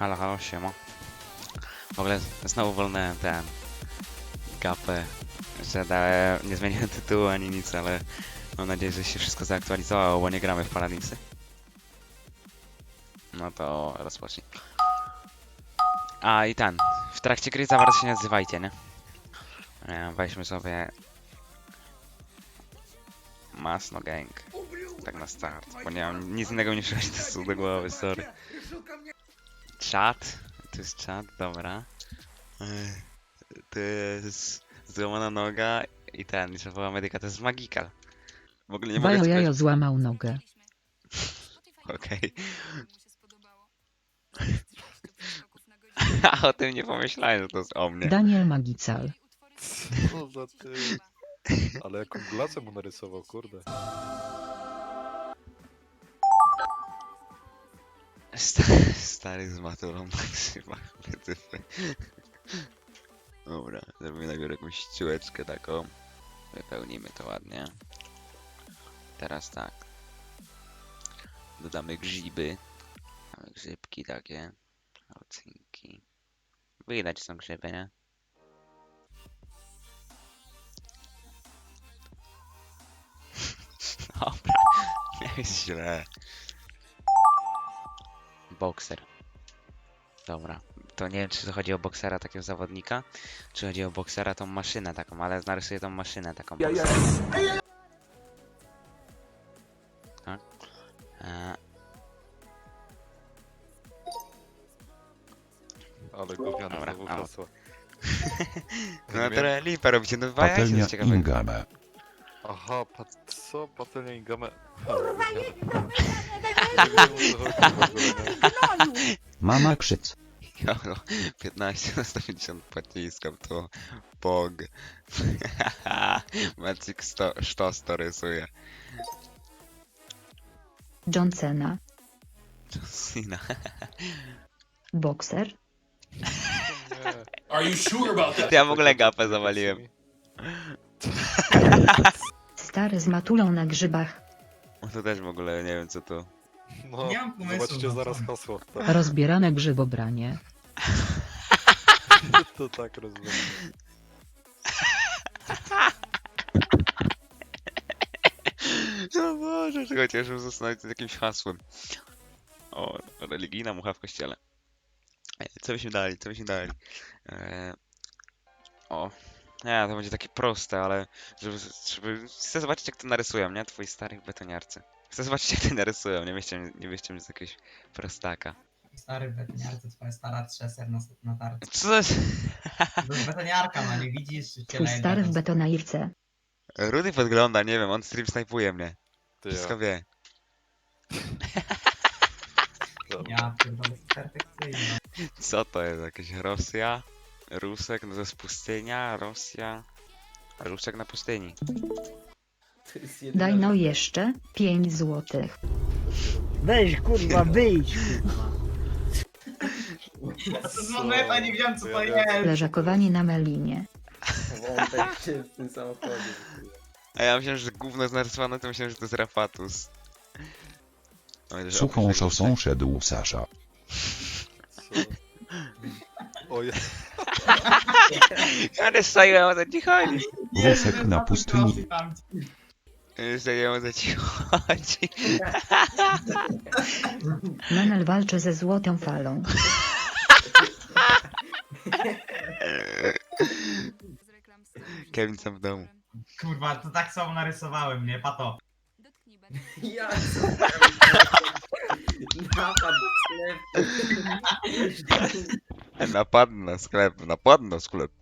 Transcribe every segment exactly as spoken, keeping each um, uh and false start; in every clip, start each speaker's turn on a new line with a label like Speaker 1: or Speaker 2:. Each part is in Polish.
Speaker 1: Halo, halo, siema. W ogóle znowu wolnałem ten gapę, że dałem, nie zmieniłem tytułu ani nic, ale mam nadzieję, że się wszystko zaktualizowało, bo nie gramy w Paradinsy. No to rozpocznij. A i ten, w trakcie gry za bardzo się nie odzywajcie, nie? E, Weźmy sobie Masno Gang, tak na start, bo nie mam nic innego mi przychodzi do, do głowy, sorry. Czat, tu jest czat, dobra. Ech, To jest złamana noga i ten, że woła medyka, to jest Magical. W ogóle nie mogę
Speaker 2: Bajo
Speaker 1: ci
Speaker 2: jajo złamał nogę.
Speaker 1: Okej. A o tym nie pomyślałem, że to jest o mnie.
Speaker 2: Daniel Magical.
Speaker 3: Co za ty? Ale jaką glacę mu narysował, kurde.
Speaker 1: Sta stary z maturą maksyma. Dobra, zrobimy najpierw jakąś ściułeczkę taką. Wypełnimy to ładnie. Teraz tak. Dodamy grzyby. Mamy grzybki takie. Ocynki. Widać są grzyby, nie? Dobra, nie jest źle. Bokser. Dobra, to nie wiem, czy to chodzi o boksera takiego zawodnika, czy chodzi o boksera tą maszynę taką, ale narysuję tą maszynę taką. Ja, ja. Tak? E,
Speaker 3: Ale gówniane
Speaker 1: Dobra,
Speaker 3: znowu
Speaker 1: au.
Speaker 3: hasła.
Speaker 1: no trochę lipa robicie, no dwa jajce
Speaker 4: Patelnia
Speaker 1: z ciekawego.
Speaker 4: Ingame.
Speaker 3: Aha, pat co? Patelnia Ingame? Ha, gówniane. Nie wiem, o co chodzi w ogóle, nie?
Speaker 4: Mama krzyc.
Speaker 1: Jolo, piętnaście na sto pięćdziesiąt pociskam, to bog. Magic sto, sztos to rysuje.
Speaker 2: John Cena.
Speaker 1: John
Speaker 2: Bokser.
Speaker 3: Nie.
Speaker 5: Are you sure about that?
Speaker 1: Ja w ogóle gapę zawaliłem.
Speaker 2: Stary z matulą na grzybach.
Speaker 1: To też w ogóle nie wiem co to.
Speaker 3: No,
Speaker 5: Nie mam pomysłu,
Speaker 3: zobaczcie
Speaker 5: no
Speaker 3: zaraz
Speaker 5: co?
Speaker 3: hasło. Tak,
Speaker 2: Rozbierane grzybobranie.
Speaker 3: to tak rozumiem.
Speaker 1: No Boże, czego cieszę zastanowić się nad jakimś hasłem. O, religijna mucha w kościele. E, Co byśmy dali, co byśmy dali? E... O, nie, to będzie takie proste, ale żeby, żeby... Chcę zobaczyć jak to narysują, nie? Twoi starych betoniarcy. Chcę zobaczyć jak to narysują, nie wyście mnie, nie wyście mnie z jakiegoś prostaka.
Speaker 5: Stary betoniarce, twoja stara trzeser na, na tarczy.
Speaker 1: Co to jest?
Speaker 5: To jest betoniarka, no nie widzisz? Czy cię
Speaker 2: Twój
Speaker 5: leje
Speaker 2: stary w
Speaker 5: beton?
Speaker 2: betonairce.
Speaker 1: Rudy podgląda, nie wiem, on stream snajpuje mnie.
Speaker 3: Ty
Speaker 1: Wszystko
Speaker 3: ja.
Speaker 1: wie.
Speaker 3: Dobra.
Speaker 5: Ja pierdolę, perfekcyjnie.
Speaker 1: Co to jest? Jakaś Rosja? Rusek? No to jest pustynia, Rosja... Rusek na pustyni.
Speaker 2: Daj no jeszcze pięć złotych.
Speaker 6: Weź kurwa, wyjdź kurwa.
Speaker 5: Ja to z momentu nie wiedziałem co to
Speaker 3: Ja wiem,
Speaker 5: jest.
Speaker 2: Leżakowanie na melinie.
Speaker 7: Wątek się w tym samochodzie.
Speaker 1: A ja myślałem, że gówno jest narysowane, to myślałem, że to jest Rapatus. Oj, że
Speaker 4: Suchą
Speaker 1: oprócz
Speaker 4: szosą
Speaker 1: tego-
Speaker 4: szedł Sasza.
Speaker 3: Co? O ja.
Speaker 1: Ja nie stoję, o co ci chodzi.
Speaker 4: Rusek na pustyni.
Speaker 1: Nie stoję, o co ci chodzi.
Speaker 2: Menel walczy ze złotą falą.
Speaker 1: Kevin sam w domu.
Speaker 5: Kurwa, to tak samo narysowałem, nie? Pato.
Speaker 7: Ja co? Napad sklep.
Speaker 1: Napad na sklep, napad na sklep.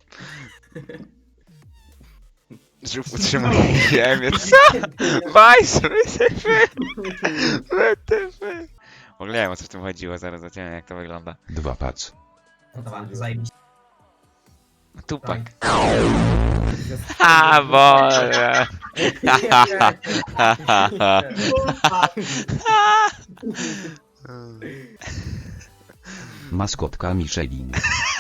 Speaker 1: Żółw utrzymuje ziemię, co? Bajs, wytyfy! Wytyfy! W ogóle nie wiem o co w tym chodziło, zaraz zobaczymy jak to wygląda.
Speaker 4: Dwa pac.
Speaker 5: No dobra, zajebiście.
Speaker 1: Tupak. Ha, Boże!
Speaker 4: Maskotka Michelin.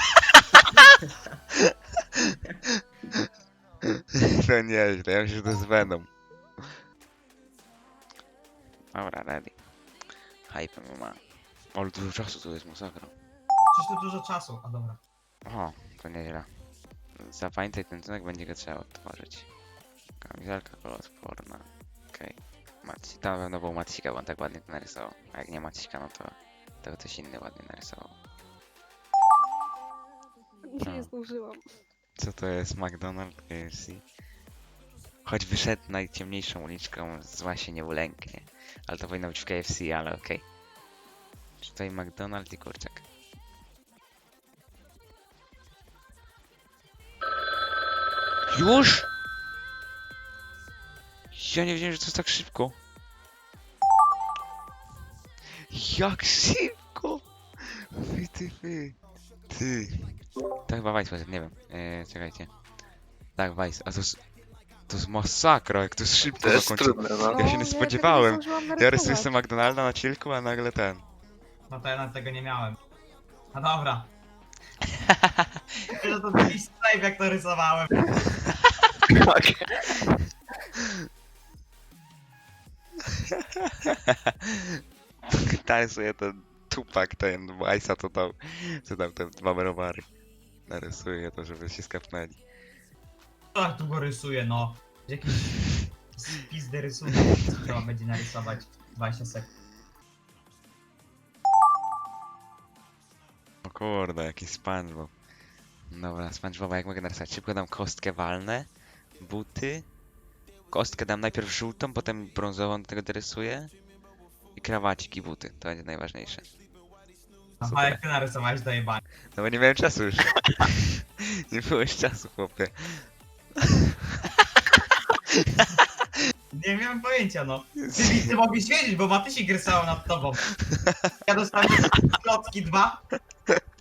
Speaker 1: To nieźle, ja myślę, że to jest Venom. Dobra, ready. Hype ma. Ale dużo czasu to jest masakra.
Speaker 5: Przecież tu dużo czasu. A dobra.
Speaker 1: O, to nieźle. Zapamiętaj ten cynek, będzie go trzeba odtworzyć. Kamizelka koloodporna. Okej. Maci, to na pewno był Macika, bo on tak ładnie to narysował. A jak nie Macika, no to, to ktoś inny ładnie narysował.
Speaker 8: Nie
Speaker 1: No.
Speaker 8: zdążyłam.
Speaker 1: Co to jest McDonald's K F C? Choć wyszedł najciemniejszą uliczką, zła się nie ulęknie. Ale to powinno być w K F C, ale okej. Czy tutaj McDonald's i kurczak? Już? Ja nie wiedziałem, że to jest tak szybko. Jak szybko! Wy ty, wy. Ty. To chyba Vice poszedł, nie wiem. Eee, czekajcie. Tak, Vice. A to jest... To jest masakra, jak to jest szybko
Speaker 3: To jest
Speaker 1: zakończył.
Speaker 3: trudne, no.
Speaker 1: Ja się nie
Speaker 8: tego
Speaker 1: spodziewałem.
Speaker 8: zdążyłam
Speaker 1: Ja rysuję
Speaker 8: narysować.
Speaker 1: sobie McDonalda na chillku, a nagle ten.
Speaker 5: No to ja nawet tego nie miałem. No dobra. Że to taki save jak to rysowałem.
Speaker 1: Narysuje ten tupak, ten Vice'a, co dał, co dał te dwa browary. Narysuję to, żeby się skapnęli.
Speaker 5: Tak tu go rysuję, no. Jakiś spizdy rysunek trzeba będzie narysować dwadzieścia sekund.
Speaker 1: O kurde, jaki SpongeBob. Dobra, SpongeBoba jak mogę narysować? Szybko dam kostkę walnę, buty. Kostkę dam najpierw żółtą, potem brązową do tego dorysuję. I krawacik i buty, to będzie najważniejsze.
Speaker 5: A
Speaker 1: Super.
Speaker 5: jak ty narysowałeś dojebanie.
Speaker 1: No bo nie miałem czasu już. Nie było już czasu, chłopie.
Speaker 5: Nie miałem pojęcia, no. Ty, ty mogłeś wiedzieć, bo Matysik rysował nad tobą. Ja dostałem klocki dwa.